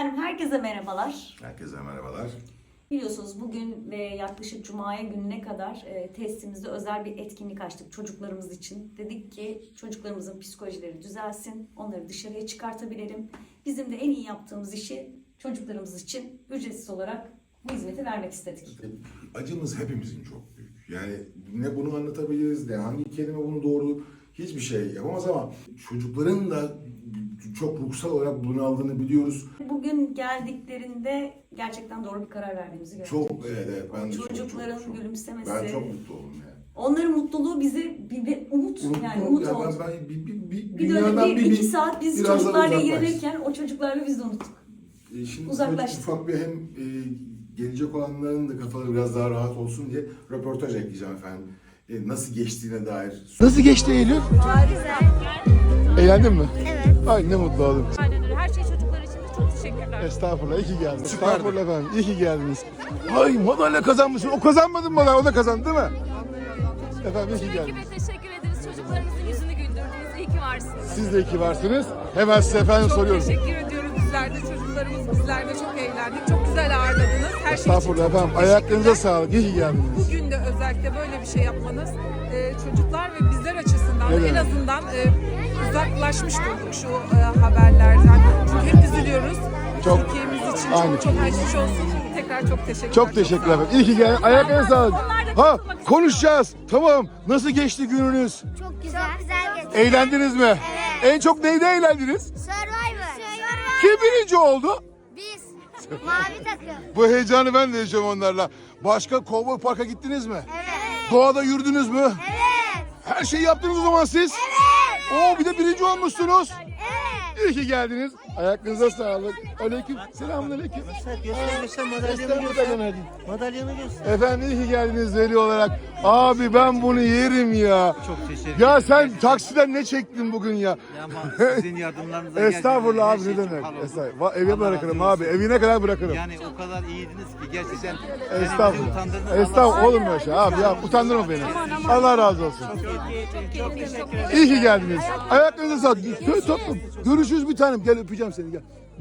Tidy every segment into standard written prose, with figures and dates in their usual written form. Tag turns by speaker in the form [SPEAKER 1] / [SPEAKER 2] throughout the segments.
[SPEAKER 1] Efendim herkese merhabalar.
[SPEAKER 2] Herkese merhabalar.
[SPEAKER 1] Biliyorsunuz bugün ve yaklaşık Cuma'ya gününe kadar testimizde özel bir etkinlik açtık çocuklarımız için. Dedik ki çocuklarımızın psikolojileri düzelsin, onları dışarıya çıkartabilelim. Bizim de en iyi yaptığımız işi çocuklarımız için ücretsiz olarak bu hizmeti vermek istedik.
[SPEAKER 2] Acımız hepimizin çok büyük. Yani ne bunu anlatabiliriz, ne hangi kelime bunu doğru hiçbir şey yapamaz ama çocukların da çok ruhsal olarak bunaldığını biliyoruz.
[SPEAKER 1] Bugün geldiklerinde gerçekten doğru bir karar verdiğimizi gördük.
[SPEAKER 2] Çok evet, ben de
[SPEAKER 1] Çocukların
[SPEAKER 2] çok.
[SPEAKER 1] gülümsemesi.
[SPEAKER 2] Ben çok mutlu oldum yani.
[SPEAKER 1] Onların mutluluğu bize bir umut yani umut
[SPEAKER 2] ya
[SPEAKER 1] oldu.
[SPEAKER 2] ben
[SPEAKER 1] Bir
[SPEAKER 2] dünyadan
[SPEAKER 1] dönem iki saat biz
[SPEAKER 2] biraz daha
[SPEAKER 1] çocuklarla
[SPEAKER 2] uzaklaş.
[SPEAKER 1] ilgilenirken o çocuklarla biz de unuttuk.
[SPEAKER 2] Şimdi
[SPEAKER 1] Uzaklaştık.
[SPEAKER 2] ufak bir hem gelecek olanların da kafaları biraz daha rahat olsun diye röportaj ekleyeceğim efendim. Nasıl geçtiğine dair.
[SPEAKER 3] Nasıl geçti Eylül?
[SPEAKER 4] Güzel.
[SPEAKER 3] Eğlendin mi?
[SPEAKER 4] Evet.
[SPEAKER 3] Ay ne mutlu oldum.
[SPEAKER 4] Aynen öyle. Her şey çocuklar için de çok teşekkürler.
[SPEAKER 3] Estağfurullah, iyi ki geldiniz. Estağfurullah efendim, iyi ki geldiniz. Ay madalya kazanmışsın. O kazanmadı mı madalya? O da kazandı değil mi? Efendim iyi ki
[SPEAKER 4] Ekibe
[SPEAKER 3] geldiniz.
[SPEAKER 4] teşekkür ederiz. Çocuklarımızın yüzünü güldürdünüz. İyi ki varsınız.
[SPEAKER 3] Siz de iyi ki varsınız. Hemen size efendim
[SPEAKER 5] Çok
[SPEAKER 3] soruyorum.
[SPEAKER 5] teşekkür ediyoruz bizler de. Çocuklarımız bizler de çok eğlendik. Çok güzel ağırladınız. Her şey için
[SPEAKER 3] Estağfurullah
[SPEAKER 5] çok
[SPEAKER 3] efendim.
[SPEAKER 5] çok
[SPEAKER 3] Ayaklarınıza
[SPEAKER 5] teşekkürler.
[SPEAKER 3] sağlık. İyi ki geldiniz.
[SPEAKER 5] Bugün de özellikle böyle bir şey yapmanız çocuklar ve bizler açısından
[SPEAKER 3] Ne
[SPEAKER 5] da en
[SPEAKER 3] demek?
[SPEAKER 5] azından uzaklaşmış olduk şu haberlerden. Çünkü hep üzülüyoruz.
[SPEAKER 3] Çok-
[SPEAKER 5] Türkiye'miz için
[SPEAKER 3] Aynı.
[SPEAKER 5] çok çok geçmiş olsun. Tekrar çok teşekkürler.
[SPEAKER 3] Çok teşekkürler efendim. İyi ki geldiniz. Ayaklarınıza sağlık. Ha konuşacağız. Tamam. Nasıl geçti gününüz?
[SPEAKER 4] Çok güzel. Çok güzel geçti.
[SPEAKER 3] Eğlendiniz mi?
[SPEAKER 4] Evet.
[SPEAKER 3] En çok neyde eğlendiniz?
[SPEAKER 4] Survivor.
[SPEAKER 3] Kim birinci oldu?
[SPEAKER 4] Biz. Mavi takım.
[SPEAKER 3] Bu heyecanı ben de yaşıyorum onlarla. Başka Cowboy Park'a gittiniz mi?
[SPEAKER 4] Evet.
[SPEAKER 3] Doğada yürüdünüz mü?
[SPEAKER 4] Evet.
[SPEAKER 3] Her şeyi yaptınız o zaman siz.
[SPEAKER 4] Evet.
[SPEAKER 3] Oo bir de birinci olmuşsunuz.
[SPEAKER 4] Evet.
[SPEAKER 3] İyi ki geldiniz. Ayaklarınıza sağlık. Aleyküm. Selamünaleyküm.
[SPEAKER 6] Göster madalyamı
[SPEAKER 3] İstanbul'da
[SPEAKER 6] göster.
[SPEAKER 3] hadi.
[SPEAKER 6] Madalyamı göster.
[SPEAKER 3] Efendim iyi ki geldiniz veli olarak. Abi ben bunu yerim ya.
[SPEAKER 6] Çok teşekkür
[SPEAKER 3] Ya
[SPEAKER 6] ederim.
[SPEAKER 3] sen taksiden ne çektin bugün ya?
[SPEAKER 6] Ya ama sizin yardımlarınıza geldim.
[SPEAKER 3] Estağfurullah
[SPEAKER 6] Her
[SPEAKER 3] abi
[SPEAKER 6] şey
[SPEAKER 3] ne
[SPEAKER 6] çok
[SPEAKER 3] demek?
[SPEAKER 6] hal oldu.
[SPEAKER 3] Estağfurullah. Eve
[SPEAKER 6] Allah
[SPEAKER 3] bırakırım
[SPEAKER 6] razı
[SPEAKER 3] abi.
[SPEAKER 6] olsun.
[SPEAKER 3] Evine kadar bırakırım.
[SPEAKER 6] Yani o kadar iyiydiniz ki gerçekten beni bizi
[SPEAKER 3] Estağfurullah.
[SPEAKER 6] utandırdın.
[SPEAKER 3] Estağfurullah. Olur mu şey abi ya? Utandırma beni. Allah razı olsun.
[SPEAKER 6] Çok teşekkür ederim.
[SPEAKER 3] İyi ki geldiniz. Ayaklarınıza sağlık. Söyle tatlım. Görüşürüz bir tanem. Gel öpeceğim seni gel.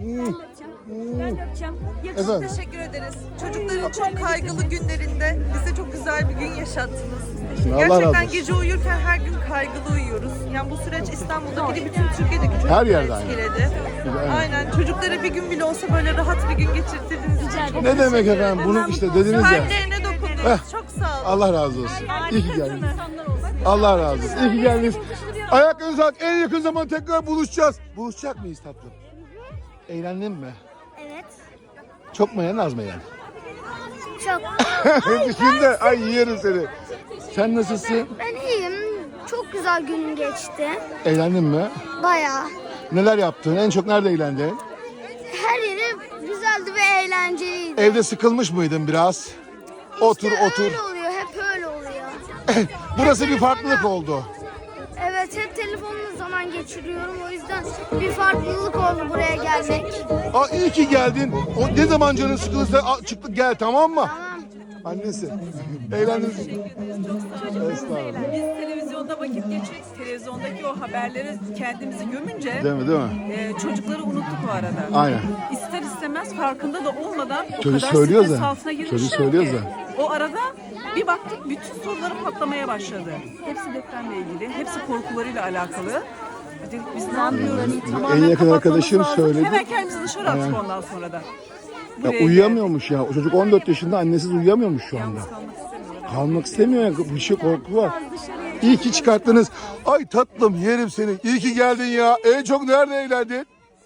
[SPEAKER 3] Efendim.
[SPEAKER 7] Teşekkür ederiz. Çocukların çok kaygılı günlerinde bize çok güzel bir gün yaşattınız.
[SPEAKER 3] Allah razı
[SPEAKER 7] Gerçekten
[SPEAKER 3] olsun.
[SPEAKER 7] gece uyurken her gün kaygılı uyuyoruz. Yani bu süreç İstanbul'daki de bütün Türkiye'deki çocukları
[SPEAKER 3] Her yerde aynı.
[SPEAKER 7] etkiledi. Aynen. Çocuklara bir gün bile olsa böyle rahat bir gün geçirttiğiniz için çok
[SPEAKER 3] Ne demek
[SPEAKER 7] teşekkür
[SPEAKER 3] efendim?
[SPEAKER 7] ederim.
[SPEAKER 3] Bunu işte dediniz ya.
[SPEAKER 7] Kalplerine dokundunuz. Çok sağ olun.
[SPEAKER 3] Allah razı olsun. İyi ki geldiniz. Allah razı olsun. İyi ki geldiniz. Ayaklarınıza sağlık. En yakın zaman tekrar buluşacağız. Buluşacak mıyız tatlım? Eğlendin mi?
[SPEAKER 4] Evet.
[SPEAKER 3] Çok mu eğlendin, az mı eğlendin?
[SPEAKER 4] Çok.
[SPEAKER 3] Şimdi ay yerim seni. Sen nasılsın?
[SPEAKER 4] Ben iyiyim. Çok güzel günüm geçti.
[SPEAKER 3] Eğlendin mi?
[SPEAKER 4] Bayağı.
[SPEAKER 3] Neler yaptın? En çok nerede eğlendin?
[SPEAKER 4] Her yeri güzeldi ve eğlenceliydi.
[SPEAKER 3] Evde sıkılmış mıydın biraz? Otur
[SPEAKER 4] İşte
[SPEAKER 3] otur.
[SPEAKER 4] Öyle oluyor. Hep öyle oluyor.
[SPEAKER 3] Burası bir farklılık oldu.
[SPEAKER 4] Evet. Hep telefonla zaman geçiriyorum. O yüzden bir farklılık oldu buraya gelmek.
[SPEAKER 3] Aa, iyi ki geldin. O ne zaman canın sıkılırsa çıktık gel tamam mı?
[SPEAKER 4] Tamam.
[SPEAKER 3] Annesi. Eğlendiniz mi? Estağfurullah.
[SPEAKER 5] Biz televizyonda vakit geçirdik. Televizyondaki o haberleri kendimizi gömünce
[SPEAKER 3] Değil mi?
[SPEAKER 5] çocukları unuttuk o arada.
[SPEAKER 3] Aynen.
[SPEAKER 5] İster istemez farkında da olmadan o
[SPEAKER 3] Çocuk
[SPEAKER 5] kadar
[SPEAKER 3] söylüyor
[SPEAKER 5] stres
[SPEAKER 3] zaten.
[SPEAKER 5] altına girmişler
[SPEAKER 3] Çocuk söylüyor
[SPEAKER 5] ki.
[SPEAKER 3] zaten.
[SPEAKER 5] O arada bir baktık bütün soruları patlamaya başladı. Hepsi depremle ilgili, hepsi korkularıyla alakalı. Dedik biz ne yapıyoruz? Tamamen
[SPEAKER 3] En yakın
[SPEAKER 5] kapatmamız
[SPEAKER 3] arkadaşım
[SPEAKER 5] lazım.
[SPEAKER 3] söyledi.
[SPEAKER 5] Hemen kendimizi dışarı attık
[SPEAKER 3] Aynen.
[SPEAKER 5] ondan sonra da.
[SPEAKER 3] Ya
[SPEAKER 5] Buraya
[SPEAKER 3] uyuyamıyormuş ya. O çocuk 14 yaşında annesiz uyuyamıyormuş şu anda.
[SPEAKER 5] geldik. Kalmak istemiyorum.
[SPEAKER 3] Kalmak istemiyor ya. Bir şey korku var. İyi ki çıkarttınız. Ay tatlım yerim seni. İyi ki geldin ya. En çok nerede eğlendin?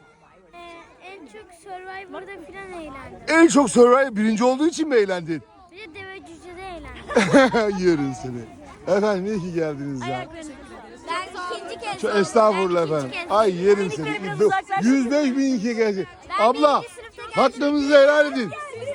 [SPEAKER 4] En çok Survivor'da falan eğlendim.
[SPEAKER 3] En çok Survivor birinci olduğu için mi eğlendin?
[SPEAKER 4] Bir de deve cücede eğlendim.
[SPEAKER 3] Yerim seni. Efendim iyi ki geldiniz ya.
[SPEAKER 4] Ben ikinci kez
[SPEAKER 3] Çok estağfurullah efendim. Ay yerim seni. 105 bin iki gelecek. Abla hakkınızı helal edin.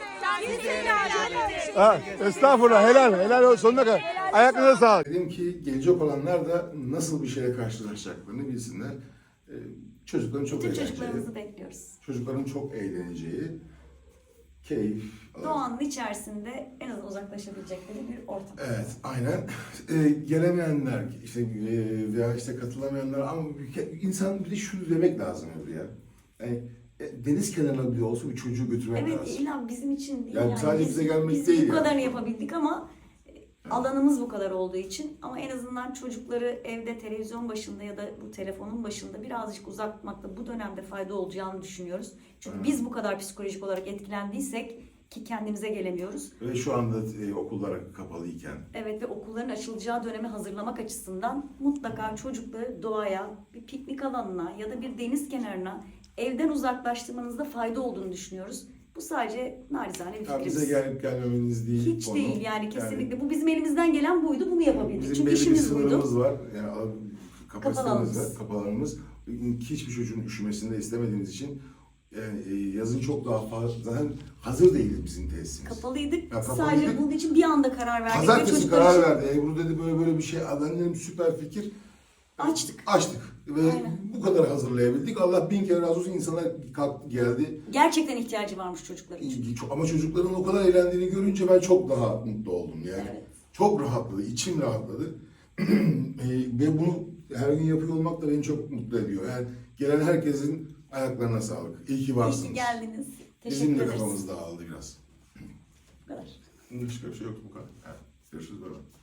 [SPEAKER 3] Ha, estağfurullah helal olsun sonuna kadar. Ayaklarına sağlık.
[SPEAKER 2] Dedim ki gelecek olanlar da nasıl bir şeyle karşılaşacaklarını bilsinler. Çocukların çok
[SPEAKER 1] Bütün
[SPEAKER 2] eğleneceği,
[SPEAKER 1] çocuklarımızı bekliyoruz.
[SPEAKER 2] çocukların çok eğleneceği, keyif alacağı.
[SPEAKER 1] Doğanın içerisinde en az uzaklaşabilecekleri bir ortam.
[SPEAKER 2] Evet, aynen. Gelemeyenler, işte veya işte katılamayanlar ama insan bir de şunu demek lazım ya. Yani deniz kenarına bile olsa bir çocuğu götürmek
[SPEAKER 1] Evet,
[SPEAKER 2] lazım.
[SPEAKER 1] illa bizim için değil.
[SPEAKER 2] Yani sadece bize gelmek
[SPEAKER 1] biz
[SPEAKER 2] değil
[SPEAKER 1] bu
[SPEAKER 2] yani.
[SPEAKER 1] kadarını yapabildik ama alanımız bu kadar olduğu için, ama en azından çocukları evde televizyon başında ya da bu telefonun başında birazcık uzatmakta bu dönemde fayda olacağını düşünüyoruz. Çünkü biz bu kadar psikolojik olarak etkilendiysek ki kendimize gelemiyoruz.
[SPEAKER 2] Ve şu anda okullar kapalıyken.
[SPEAKER 1] Evet, ve okulların açılacağı döneme hazırlamak açısından mutlaka çocukları doğaya, bir piknik alanına ya da bir deniz kenarına evden uzaklaştırmanızda fayda olduğunu düşünüyoruz. Bu sadece narizane bir
[SPEAKER 2] Ya
[SPEAKER 1] fikrimiz.
[SPEAKER 2] bize gelip gelmemeniz değil
[SPEAKER 1] Hiç
[SPEAKER 2] konu.
[SPEAKER 1] değil yani, kesinlikle. Bu bizim elimizden gelen buydu, bunu yapabildik.
[SPEAKER 2] Bizim
[SPEAKER 1] Çünkü
[SPEAKER 2] belli bir
[SPEAKER 1] işimiz buydu.
[SPEAKER 2] sınırımız var. Yani kapasitemiz
[SPEAKER 1] alanımız.
[SPEAKER 2] var, kapalarımız. Hiçbir çocuğun üşümesini de istemediğimiz için yani yazın çok daha fazla, zaten hazır değildi bizim tesisimiz.
[SPEAKER 1] Kapalıydık.
[SPEAKER 2] Ya, kapalıydık.
[SPEAKER 1] Sadece bunun için bir anda karar verdik. ve
[SPEAKER 2] Pazartesi
[SPEAKER 1] çocuklar
[SPEAKER 2] karar
[SPEAKER 1] için
[SPEAKER 2] verdi. Ebru dedi böyle bir şey. Ben dedim süper fikir.
[SPEAKER 1] Açtık.
[SPEAKER 2] Açtık. Ve
[SPEAKER 1] Aynen.
[SPEAKER 2] bu kadar hazırlayabildik. Allah bin kere razı olsun, insanlar kalktı geldi.
[SPEAKER 1] Gerçekten ihtiyacı varmış çocuklar için.
[SPEAKER 2] Ama çocukların o kadar eğlendiğini görünce ben çok daha mutlu oldum yani.
[SPEAKER 1] Evet.
[SPEAKER 2] Çok rahatladı, içim rahatladı. Ve bunu her gün yapıyor olmak da beni çok mutlu ediyor. Yani gelen herkesin ayaklarına sağlık. İyi ki varsınız.
[SPEAKER 1] İyi ki geldiniz. Teşekkür
[SPEAKER 2] Bizim de
[SPEAKER 1] ederiz.
[SPEAKER 2] kafamız dağıldı biraz.
[SPEAKER 1] Bu kadar.
[SPEAKER 2] Başka bir şey yok bu kadar. Evet. Görüşürüz. Bye bye.